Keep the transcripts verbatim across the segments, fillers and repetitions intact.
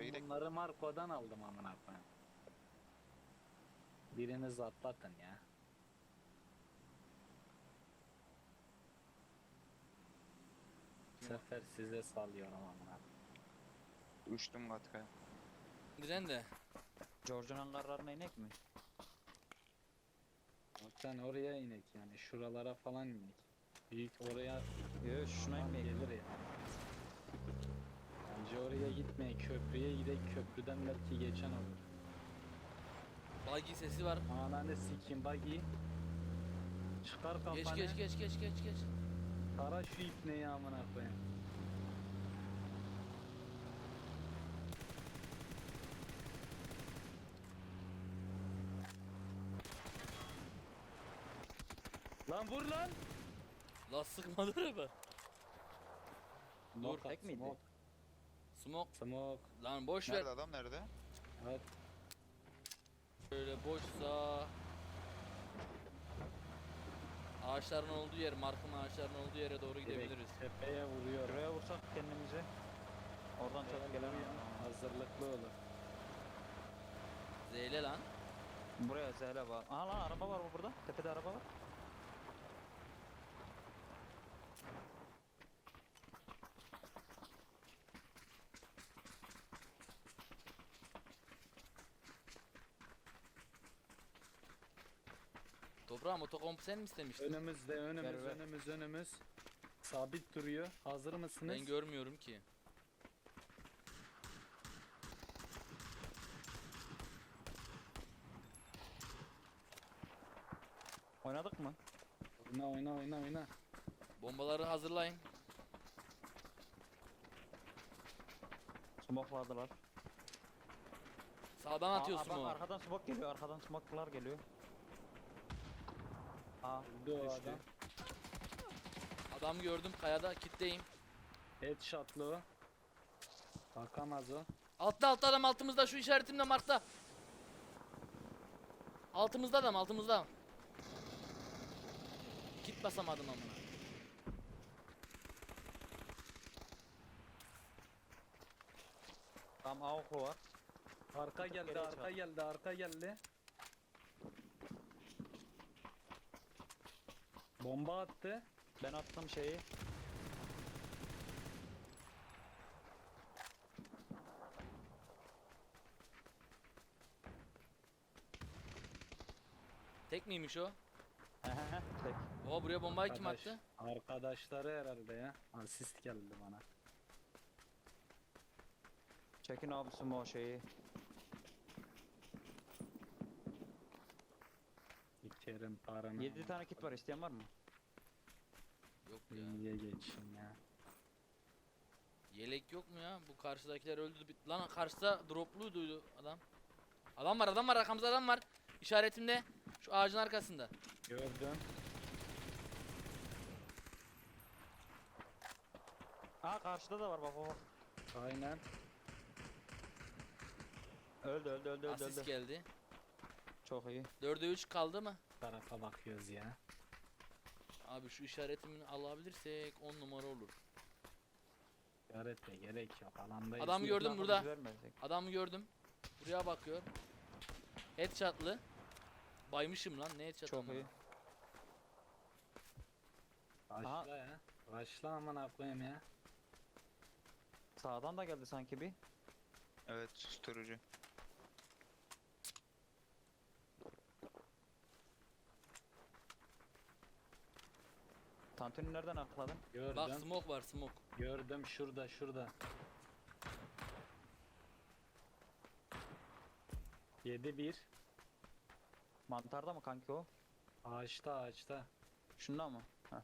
Ben gidelim. bunları Marco'dan aldım amına koyayım. Biriniz atlatın ya. Bu sefer size salıyorum amına. Uçtum Gatka'ya. Diren de. George'un kararına inek mi? Sen oraya inek yani şuralara falan inek. Büyük oraya Yok şuna alan inmek. gelir ya. Bence oraya gitmeyin, köprüye gidelim, köprüden belki geçen olur. Buggy sesi var. Ananı sikim buggy. Çıkar kafanı. Geç geç geç geç geç geç. Tara şu ipneyi amına koyayım. Lan vur lan. La sıkmadı araba. Smoke tek at, miydi? Smoke. Smoke. Smoke. Lan boş ver. Nerede adam nerede? Evet. Şöyle boşsa. Ağaçların olduğu yer, markın ağaçların olduğu yere doğru Direkt gidebiliriz. tepeye vuruyor. Şuraya vursak kendimizi. Oradan çok gelen Hazırlıklı olun. Zeyle lan. Buraya zehre var. Aha lan araba var mı burada? Tepede araba var. Toprağım otokompu sen mi istemiştin? Önümüzde, önümüz, Ver, ver. önümüz, önümüz. Sabit duruyor. Hazır mısınız? Ben görmüyorum ki. Oynadık mı? Oyna, oyna, oyna, oyna. Bombaları hazırlayın. Smokladılar. Sağdan atıyorsun Aa, bak, o. arkadan smoke geliyor. Arkadan smoke'lar geliyor. Aa, Öldü o düştü. adam. Adam gördüm kayada kitleyim. Headshot'lı o. Bakamaz o. Altta altta adam altımızda şu işaretimde markta. Altımızda adam altımızda. Kit basamadım amına. Tam A oku var. Arka Tık geldi, geriye arka çıkar. geldi, arka geldi. Bomba attı. Ben attım şeyi. Tek miymiş o? Hehehe, tek. Oha buraya bombayı kim Arkadaş- attı? Arkadaşları herhalde ya. Asist geldi bana. Çekin abi smoke şeyi. İçerim paranı. yedi tane kit var, isteyen var mı? Yok ya. İyiye geçin ya. Yelek yok mu ya? Bu karşıdakiler öldü. bit- Lan karşıda dropluydu adam. Adam var adam var arkamızda adam var. İşaretimde. Şu ağacın arkasında. Gördüm. Aa karşıda da var bak bak. Aynen. Öldü öldü öldü öldü. Asist öldü. geldi. Çok iyi. dörde üç kaldı mı? Tarafa bakıyoruz ya. Abi şu işaretimini alabilirsek on numara olur. Öğretme gerek yok. Alandayız. Adam gördüm Lan burada. biz vermezdik. Adamı gördüm. Buraya bakıyor. Headshot'lı. Baymışım lan ne headshot Çok amına. iyi. Başla ya. Başla aman koyayım ya. Sağdan da geldi sanki bir. Evet susturucu. Tantuni nereden akladın? Gördüm. Bak smoke var smoke. Gördüm şurada şurada. yedi bir. Mantarda mı kanki o? Ağaçta ağaçta. Şunda mı? Heh.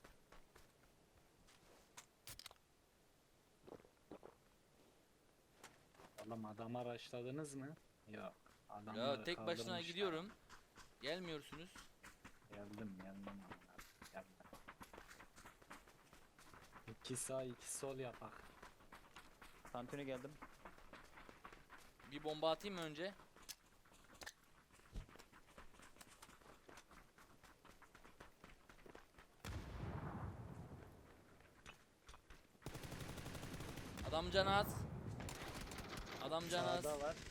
Oğlum adam araçladınız mı? Yok. Adamları Ya tek başına kaldırmışlar. gidiyorum. Gelmiyorsunuz. Geldim geldim. amına, Geldim. İki sağ iki sol yapak. Tantuni geldim. Bir bomba atayım mı önce? Adam canı az. Adam canı az. Sağda var.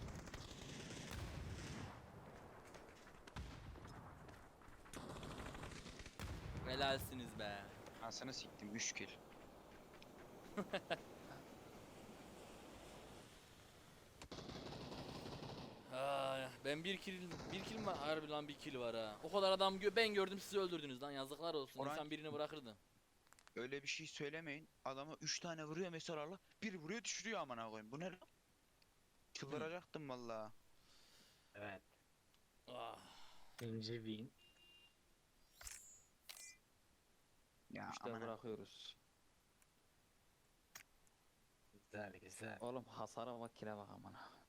Helalsiniz be. Anasını siktim üç kill. Ay, ben bir kill, bir kill mi? Harbi lan bir kill var ha. O kadar adam gö ben gördüm sizi öldürdünüz lan yazıklar olsun. Orhan- İnsan birini bırakırdı. Öyle bir şey söylemeyin. Adama üç tane vuruyor mesela. Bir vuruyor düşürüyor amına koyayım. Bu ne lan? Çıldıracaktım valla. Evet. Ah. İkinci win. Ya İşte amına. bırakıyoruz. Güzel güzel. Oğlum hasara bak kile bak amına.